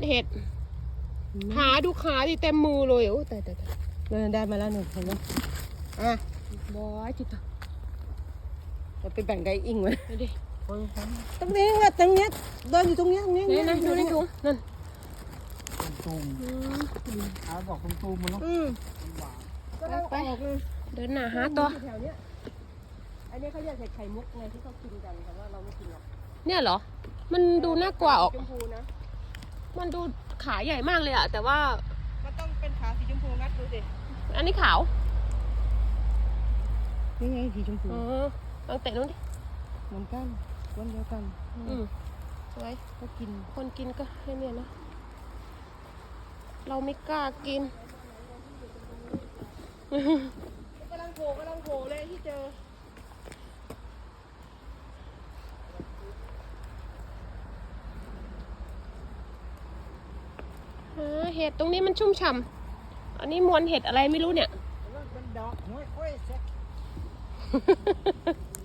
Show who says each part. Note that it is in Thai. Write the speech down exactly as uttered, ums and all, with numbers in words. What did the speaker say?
Speaker 1: เห็ดขาดูขาดิเต็มมือเลยโอ้ตายตายตาย
Speaker 2: เราได้มาแล้วหนึ่งเห็นไหมอ่ะ
Speaker 1: บอยจิตต
Speaker 2: เราไปแบ่งไก่อิงไว้
Speaker 1: ดูดิ
Speaker 2: ตรงนี้ว่าตรงเนี้ยเดินอยู่ตรงเนี้ยตรงนี้
Speaker 1: นี่นะดูนี่ดูนั่น
Speaker 3: ตูม
Speaker 1: อืม
Speaker 3: หาดอกตูมมันเนาะ
Speaker 2: อืม
Speaker 3: หวาน
Speaker 2: ก็ต้องออกเลย
Speaker 1: เดินหน้าหาตัว
Speaker 2: แถวเนี้ยอันนี้เขาเรียกเห็ดไข่มุกไงที่เขากินกันแต่ว่าเราไม่กินหรอก
Speaker 1: เนี่ยเหรอ มันดูน่ากลัวออก
Speaker 2: ชมพูนะ
Speaker 1: มันดูขาใหญ่มากเลยอะแต่ว่า
Speaker 2: มันต้องเป็นขาสีชมพูงัดดูสิ
Speaker 1: อันนี้ขาว
Speaker 2: นี่ไงสีชมพู
Speaker 1: อ๋อลองเตะนู้นดิ
Speaker 2: เหมือนกันวันเดียวกัน
Speaker 1: อืมสวย
Speaker 2: ก็กิน
Speaker 1: คนกินก็ให้เนี่ยนะ เราไม่กล้ากิน
Speaker 2: กำลังโผล่กำลังโผล่เลยที่เจอ
Speaker 1: หาเห็ดตรงนี้มันชุ่มฉ่ำอันนี้มวลเห็ดอะไรไม่รู้เนี่ย
Speaker 3: เป็นดอกห้วยห้วยแซก